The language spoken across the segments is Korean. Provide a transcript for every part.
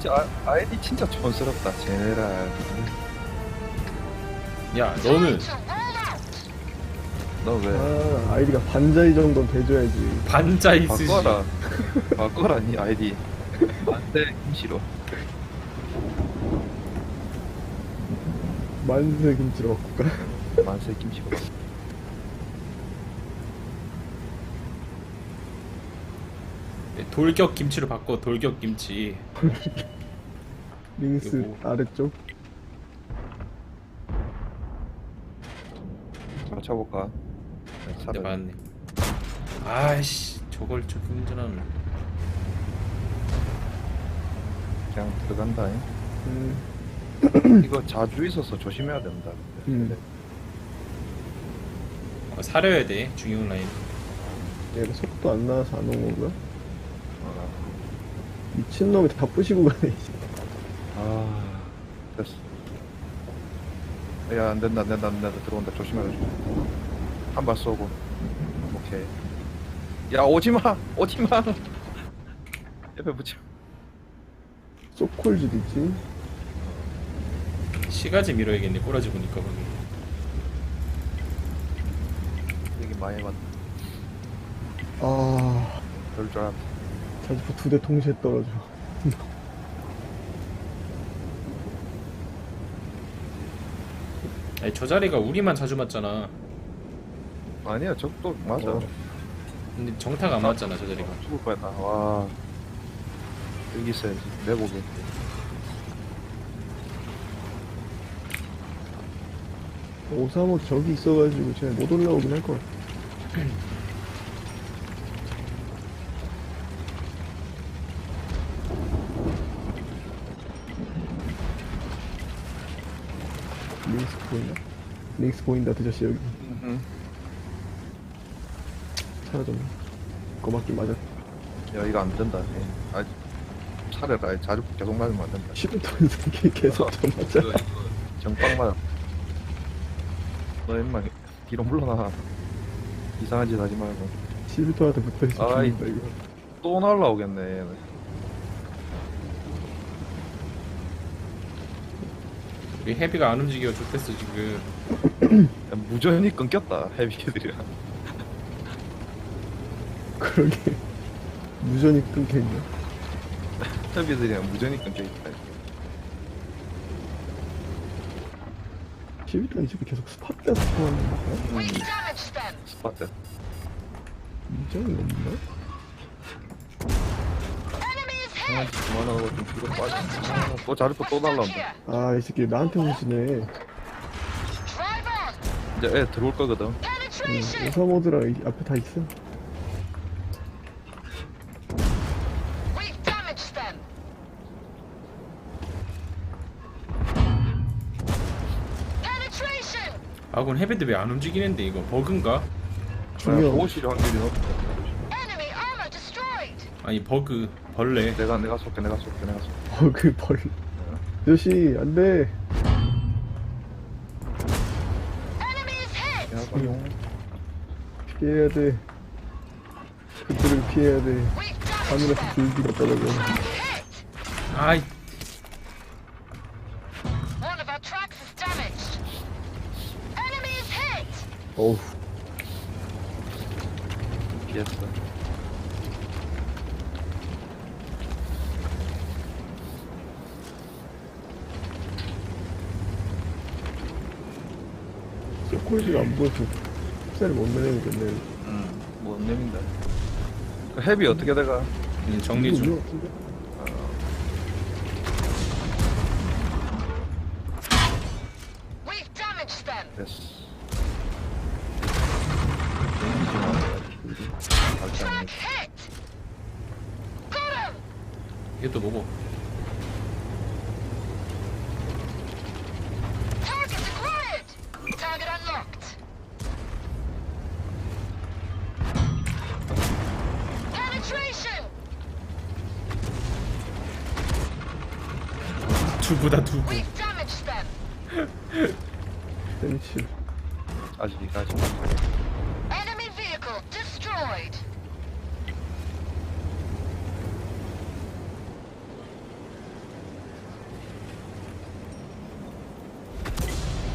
아이디 진짜 촌스럽다. 제네랄. 야 너는 너 왜? 아, 아이디가 반자이 정도는 돼줘야지. 반자 있으시. 바꿔라. 바꿔라 니 아이디. 안돼 김씨로. 만세 김치로 바꿀까? 만세 김씨로. 돌격 김치로 바꿔. 돌격 김치. 링스 요거. 아래쪽. 맞춰볼까? 근데 맞네. 아이씨 저걸 좀 운전하는. 그냥 들어간다. 음, 이거 자주 있어서 조심해야 된다. 사려야 돼 중형 라인. 얘가 속도 안 나와서 안 온 건가? 어. 미친놈이 다 부시고 가네. 이제. 아 됐어. 야 안된다 안된다 안된다 들어온다 조심해라. 한 발 쏘고. 오케이. 야 오지마 오지마. 옆에 붙여. 소콜즈도 있지. 시가지 밀어야겠네. 꼬라지 보니까 거기. 여기 많이 맞. 아, 그럴 줄 알았다. 자주포 2대 동시에 떨어져. 아니 저 자리가 우리만 자주 맞잖아. 아니야 적도 맞아. 근데 정타가 안 맞잖아 저 자리가. 죽을 뻔했다. 와 여기 있어야지 내고게. 535 저기 있어가지고 쟤 못 올라오긴 할 것 같아. 링스 보인다. 링스 보인다 드저씨 여기 사라졌네. 그거 맞긴 맞았. 야 이거 안 된다. 아 차례라 자주 계속 맞으면 안 된다. 10톤 새끼 계속 좀 맞아. 이거 정빵 맞아. 너 임마 뒤로 물러나. 이상한 짓 하지 말고. 11톤한테 붙어있어. 아이. 죽는다 이거. 또 날라오겠네. 얘는. 우리 헤비가 안 움직여 좋댔어 지금. 야, 무전이 끊겼다 헤비들이랑. 그러게. 무전이 끊겨있네. 헤비들이랑 무전이 끊겨있다. 11톤이 지금 계속 스팟돼서 통하는 거야? 스파트. 무전이 없나? 그만하고 좀 뒤로 빠져. 또 자르고 또 날라온다. 아, 이 새끼 나한테 오시네. 이제 애 들어올 거거든. 535드랑 앞에 다 있어. 아군 헤비들 왜 안 움직이는데 이거 버그인가? 중요. 보호실 확률이 높다. 아니 버그 벌레. 내가 쏠게 내가 쏠게 내가 쏠게. 그 벌. 아저씨, 안 돼. 야 빨용. 피해야 돼. 그들을 피해야 돼. 하늘에서 불비가 떨어져. 아이 어우, 피했어. 소콜즈가 안 보여서 흡사를 못 내려야겠네. 못 내민다. 그 헤비 어떻게 돼가? 정리 중. 됐어. 이게 또 뭐고? 두부다 두부. 벤치. 아직. Enemy vehicle destroyed.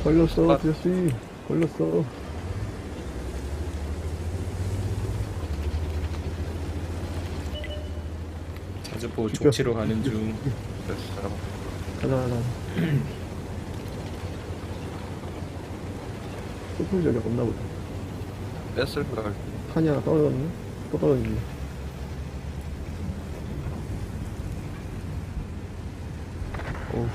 걸렸어, 아. 아저씨. 걸렸어. 자주포 죽여. 족치로 가는 중. 됐어. 잡아. 가자, 가자. 소풍 저기 없나 보다. 뺐을 걸. 탄이 하나 떨어졌네? 또 떨어졌네. 어우,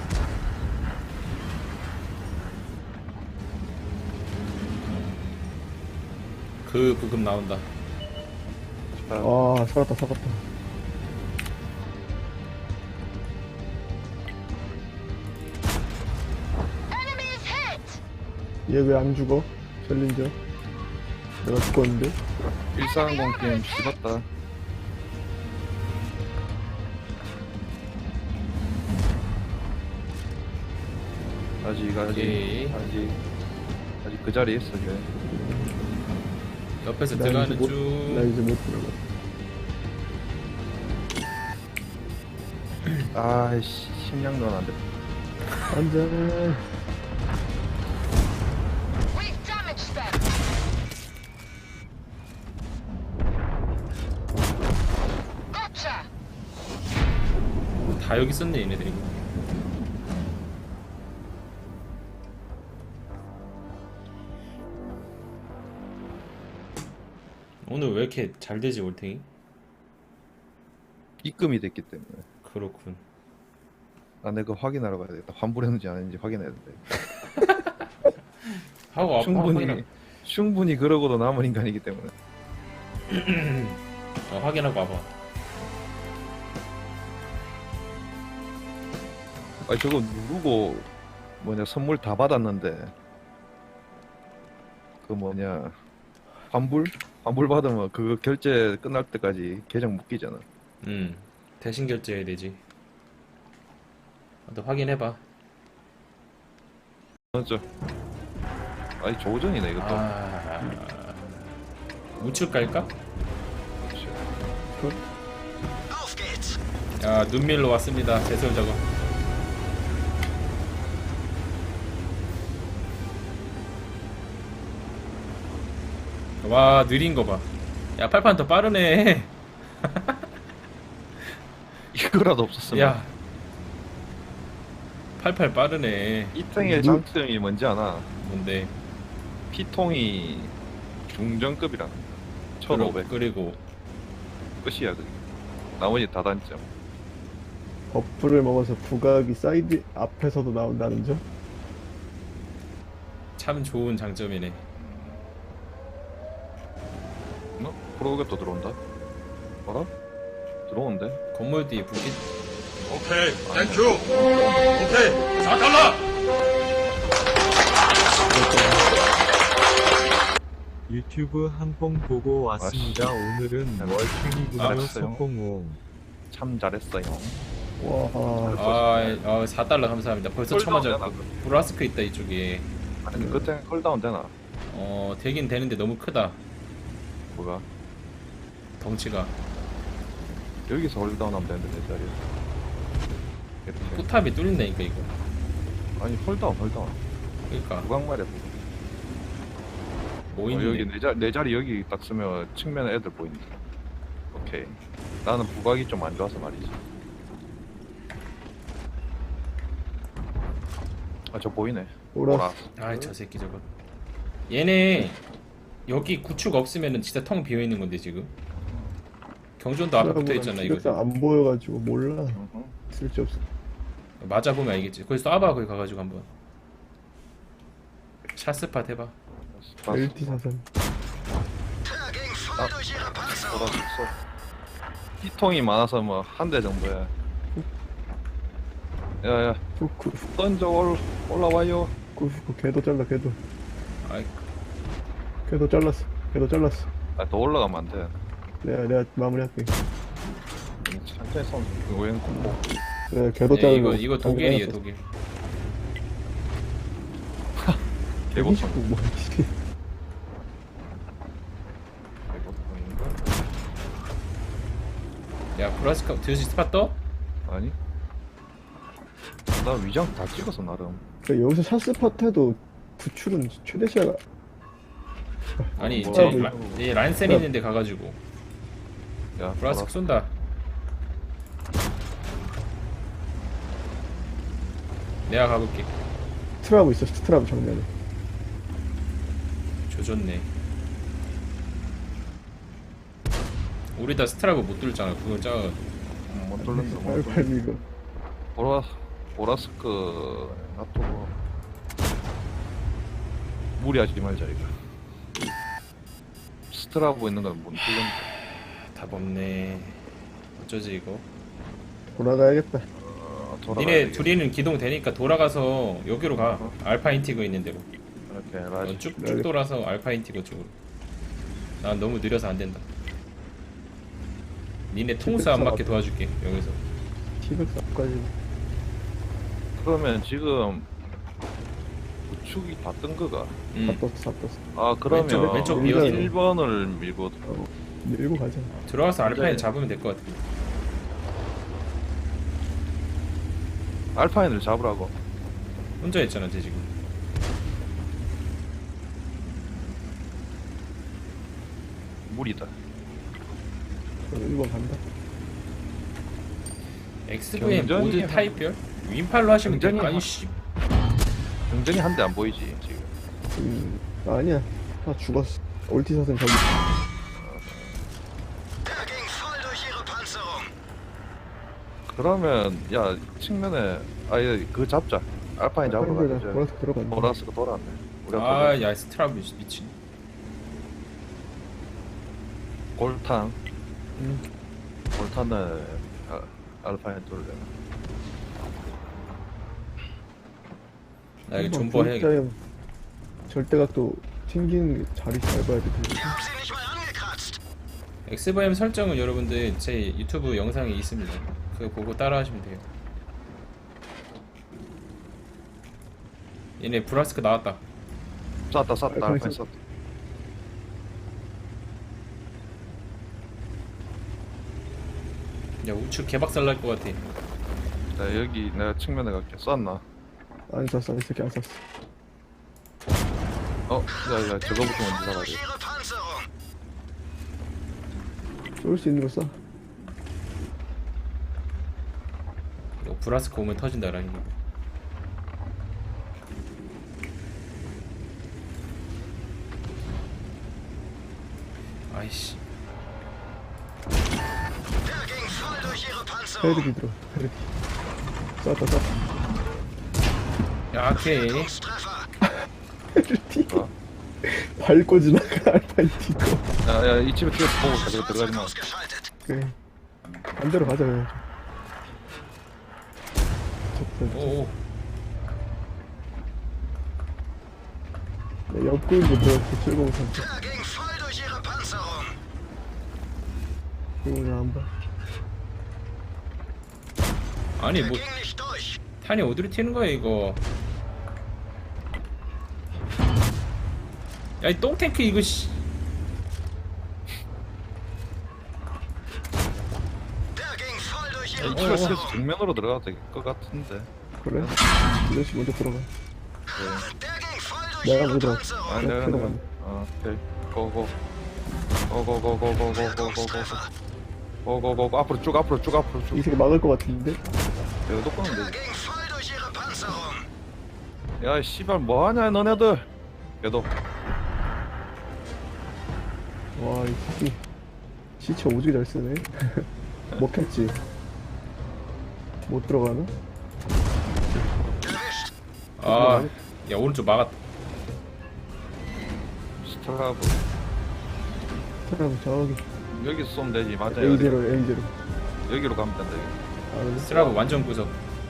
그 부금 나온다. 아, 살았다, 살았다. Enemies hit! 얘 왜 안 죽어? 챌린저? 내가 죽었는데? 140 게임 씹었다. 아직 오케이. 아직 그 자리에 있어. 걔. 옆에서 나 들어가는 이제 못, 중. 나 이제 못 들어가. 아이씨, 식량 넣으면 안 돼. 안 돼. We've damaged them! Gotcha! 다 여기 있었네 얘네들이. 오늘 왜 이렇게 잘 되지 올탱이? 입금이 됐기 때문에. 그렇군. 아, 내가 확인하러 가야 되겠다. 환불했는지 안 했는지 확인해야 돼. 하고 아파. 충분히 그러고도 남은 인간이기 때문에. 확인하고 와봐. 아, 저거 누르고 뭐냐 선물 다 받았는데 그 뭐냐 환불 받으면 그거 결제 끝날 때까지 계정 묶이잖아. 대신 결제해야 되지. 너 확인해봐. 맞죠? 아니 조전이네 이것도. 우측 갈까? Auf geht's! 야, 눈밀로 왔습니다. 제설 작업. 와, 느린 거 봐. 야, 팔판 더 빠르네. 이거라도 없었으면. 야, 팔팔 빠르네. 이탱의 장점이 뭔지 아나? 뭔데? 피통이 중전급이라. 1500 그리고 끝이야 그게. 나머지 다 단점. 버프를 먹어서 부각이 사이드 앞에서도 나온다는 점? 참 좋은 장점이네. 프로그램 또 들어온다. 뭐라? 들어오는데? 건물 뒤에 불빛. 오케이, 땡큐. 오케이, 4달러. 유튜브 한뽕 보고 왔습니다. 오늘은 월등이군요. 알았어요. 석공홍. 참 잘했어요. 와, 4달러 감사합니다. 벌써 홀다운 쳐맞아. 되나, 그거? 브라스크 있다 이쪽에. 아니 그때 콜다운 되나? 되긴 되는데 너무 크다. 뭐가? 덩치가. 여기서 홀다운 하면 되는데 내 자리에. 이렇게. 포탑이 뚫린다니까 이거. 아니 홀다운. 그러니까 무광말에 모이는 여기 내 자리 여기 딱 쓰면 측면에 애들 보인다. 오케이. 나는 부각이 좀 안 좋아서 말이지. 아 저 보이네. 오라. 아저 새끼 저거. 얘네 여기 구축 없으면은 진짜 텅 비어 있는 건데 지금. 경전도 앞에 붙어 있잖아 이거. 기억상 안 보여가지고 몰라. 어허. 쓸데없어. 맞아 보면 알겠지. 거기 쏴봐 거기 가가지고 한번. 샷스팟 해봐. LT 사선. Tagging voll durch ihre Panzer! 보다 있어. 피통이 많아서 뭐 한 대 정도야. 야야 후쿠, 던져 올라와요. 후쿠, 걔도 잘라, 걔도. 아이 걔도 잘랐어. 걔도 잘랐어. 아 더 올라가면 안 돼. 내가 마무리할게. 천천히 쏜. 웬 공포. 내가 걔도 네, 자르고. 이거 독일이에요 독일. 개고통. 뭐지? 개고통인가? 야 브라스카 드시 스팟 떠? 아니? 나 위장 다 찍었어 나름. 그 여기서 샷스팟 해도 구출은 최대 시야가 아니 뭐, 제 뭐, 란센 있는데 가가지고 야 브라스크 쏜다. 내가 가볼게. 스트라브 있어. 스트라브 정면에. 조졌네. 우리 다 스트라브 못 뚫잖아. 그걸 작아가지고. 못 돌렸어 못 빨리 돌렸어. 빨리 이거. 보라스크 놔두고 무리하지 말자 이거. 스트라브 있는 건 못 돌렸는데. 답 없네. 어쩌지 이거? 돌아가야겠다. 돌아가야 니네 되겠다. 둘이는 기동 되니까 돌아가서 여기로 가. 알파 인티그 있는 데로. 이렇게 라지. 쭉쭉 돌아서 알파 인티그 쪽으로. 난 너무 느려서 안 된다. 니네 통수 안 맞게 도와줄게 여기서. T104까지. 그러면 지금 우측이 다 뜬 거가. 다 떴어. 다 떴어. 아 그러면 왼쪽 비어서. 1번을 밀고 밀고 가자. 들어가서 알파인 네. 잡으면 될 것 같아. 알파인을 잡으라고. 혼자 했잖아 쟤 지금. 무리다. 그럼 1번 간다. XVM 경전이 모드 한- 타입별? 윈팔로 하시면 돼. 경전이 아니 한- 씨. 경전이 한 대 안 보이지 지금. 아니야. 다 죽었어. 올티샷은 저기. Der ging voll durch ihre Panzerung. 그러면 야 측면에 아예 그 잡자. 알파인 잡으러 빨리 가자. 보라스 들어간다. 보라스가 돌아왔네. 우리가 아야 스트라브 미친. 골탄. 응. 골탄을 알파인 돌려. 나 이거 한번 존버 해야겠다. V자형 절대각도 튕기는 게 자리 잘 봐야 돼. Wir haben sie nicht mal angekratzt. XVM 설정은 여러분들 제 유튜브 영상에 있습니다. 그거 보고 따라하시면 돼요. 얘네 브라스크 나왔다. 쐈다 알파인 알파인 쐈- 쐈다. 야 우측 개박살 날 것 같아. 자 여기 내가 측면에 갈게. 쐈나? 안 쐈어. 이 새끼 안 쐈어. 야야 저거부터 먼저 잡아야 Durch 돼. ihre Panzerung. 쏠 수 있는 거 쏴. 이거 브라스크 오면 터진다 라인. 아이씨. Der ging voll durch ihre Panzerung. 헤르디 들어. 헤르디. 쐈다 쐈다. 약해. Treffer. 헤르디. 어. 밟고 지나가 알파인 티고. 야야 이 집에 뛰어서 보고 가지고 들어가지 마. Ausgeschaltet. 그래. 반대로 가자 그냥. 오오. 내 옆구리도 들어갔어. 703. Der ging voll durch ihre Panzerung. 이거 안 봐. 아니 Der 뭐 ging nicht durch. 탄이 어디로 튀는 거야 이거. 야 이 똥탱크 이거 씨. Der ging voll durch 이 ihre 집에 어. 뛰어서 정면으로 들어가도 될 것 같은데. 그래? 이것이 먼저 들어가. Der ging voll durch 내가 ihre 먼저. Panzerung. 아니 내가 들어가네. 오케이. 고고. 고고고고고고고고고고. 고고고고 앞으로 쭉 앞으로 쭉 앞으로 쭉. 이 새끼 막을 것 같은데? 내가 똑바로 Der 되지. ging voll durch ihre Panzerung. 야 씨발 뭐하냐 너네들. 얘도 와, 이 새끼. 시체 오지게 잘 쓰네. 먹혔지? 못 들어가나? Erwischt. 아, 야 오른쪽 막았다. 스트라브 사람 저기. 여기서 쏘면 되지. 맞아 여기. A0, A0. 여기로 가면 된다. 여기. 아, 그래? 스트라브 완전 구석.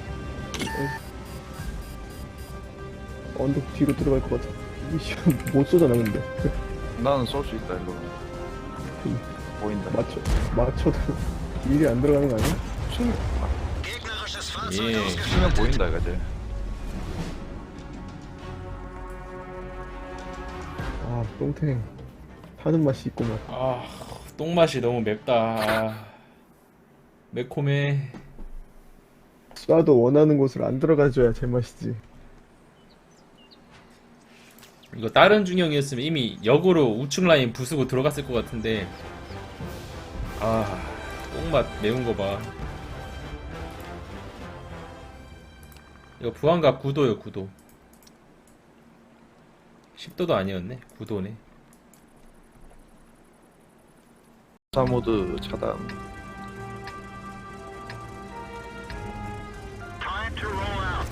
언덕 뒤로 들어갈 것 같아. 이씨, 못 쏘잖아, 근데. 나는 쏠 수 있다 일로. 보인다. 맞춰도 일이 안 들어가는 거 아니야? 치면 Gegnerisches Fahrzeug 예. ausgeschaltet. 치면 보인다 이거지. 아, 똥탱. 타는 맛이 있구만. 아, 똥맛이 너무 맵다. 아, 매콤해. 쏴도 원하는 곳으로 안 들어가줘야 제맛이지. 이거 다른 중형이었으면 이미 역으로 우측 라인 부수고 들어갔을 것 같은데. 아, 똥맛 매운 거 봐. 이거 부안갑 9도요, 9도. 10도도 아니었네. 9도네. 사모드 차단. Time to roll out.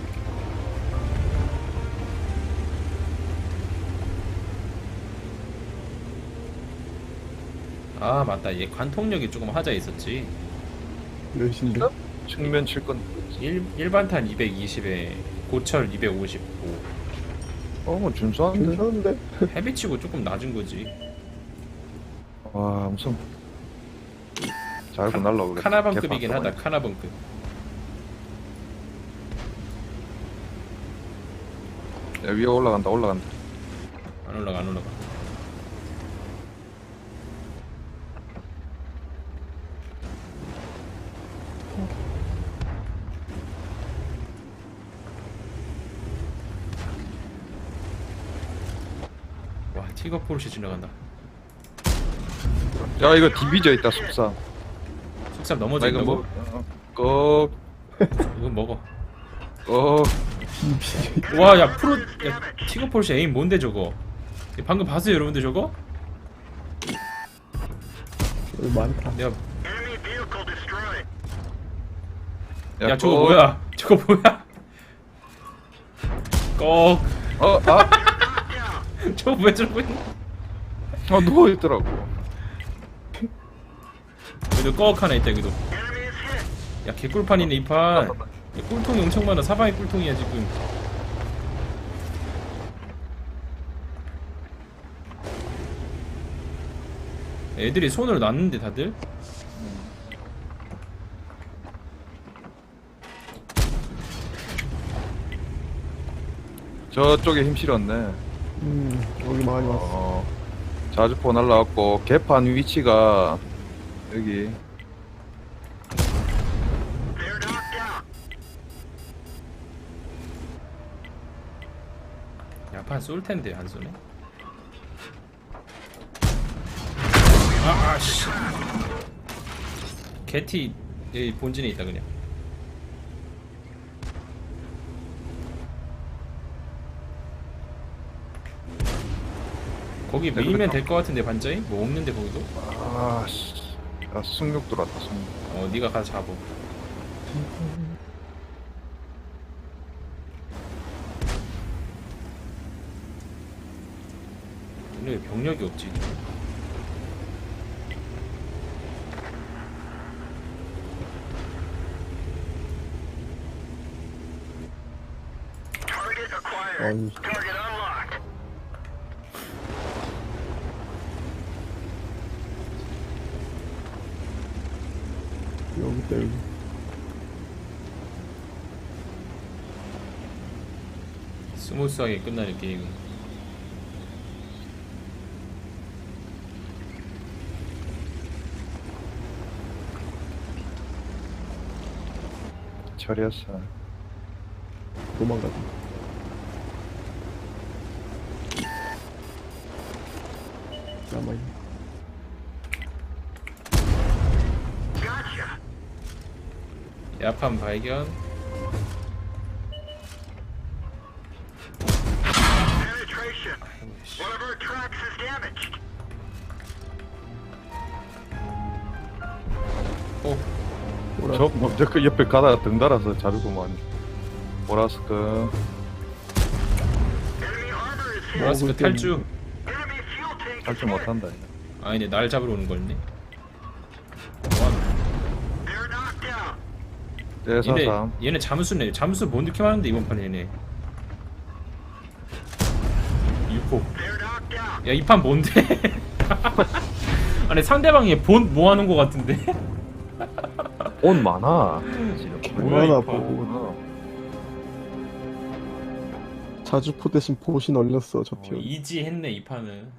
아, 맞다. 얘 관통력이 조금 하자 있었지. 몇인데? 측면 칠 건. 일반탄 220에 고철 255. 뭐 준수한데. 괜찮은데? 헤비치고 조금 낮은 거지. 와 무슨 잘고 날라오겠다. 카나반급이긴 하다. 카나반급. 야, 위에 올라간다. 올라간다. 안 올라가, 안 올라가. 와, 티거 포르쉐 지나간다. 야 이거 디비져 있다 숙사. 숙삼 나 이거 넘어진다고? 뭐 이거 먹어. 어. 와, 야, 야, 티거 포르쉐 에임 뭔데 저거? 방금 봤어요, 여러분들 저거? 여기 많다. 내가 Enemy vehicle destroyed. 야, 저거 뭐야? 저거 뭐야? 꺽. 아 저거 왜 저러고 있는? 누워 있더라고. 여기도 꺽 하나 있다, 여기도. Enemy is hit. 야, 개꿀판이네 이 판. 야, 꿀통이 엄청 많아. 사방에 꿀통이야 지금. 애들이 손을 놨는데 다들. 저쪽에 힘 실었네. 여기 많이 왔어. 자주포 날라왔고 개판 위치가 여기. They're knocked out. 야판 쏠 텐데 안 쏘네. 씨. 개티 여기 본진에 있다 그냥. 거기 밀면 될 것 같은데 반자이? 뭐 없는데 거기도? 아씨. 아 승력 들어왔다. 승력. 네가 가서 잡어. 근데 왜 병력이 없지? Target acquired. 아니, Target unlocked. 여기 있다, 여기. 스무스하게 끝나는 게임은. 처리했어. 도망가자. 남아있네. Gotcha. 야판 발견. Penetration. One of our tracks is damaged. 저 먼저 그 옆에 가다가 등 달아서 자르고만. 보라스크. Enemy armor is hit. 보라스크 탈주. Enemy fuel tank is 할줄 hit. 못한다. 아니네, 날 잡으러 오는 거였네. They're knocked out. 얘네, 대사삼. 얘네 잠수네. 잠수 못 느낌 하는데 이번 판에 얘네. 6호. They're knocked out. 야, 이 판 뭔데? 아니 상대방이 본 뭐 하는 거 같은데? 옷 많아. 얼마나 이 판. 보고. 자주포 대신 보신 얼렸어, 저 피. 이지했네 이 판은.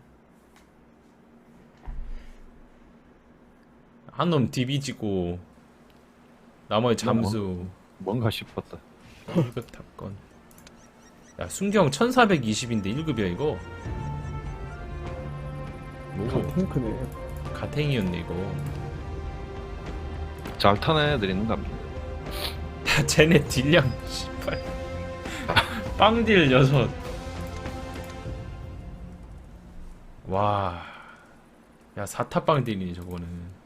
한 놈 디비지고 나머지 잠수. 뭔가 싶었다. 이거 탑건. 야 순경 1420인데 1급이야 이거. 오 탱크네. 가탱이었네 이거. 잘 타는 애들 있는가 보네. 야 쟤네 딜량 씨발 빵딜 6. 와. 야 4타 빵딜이니 저거는.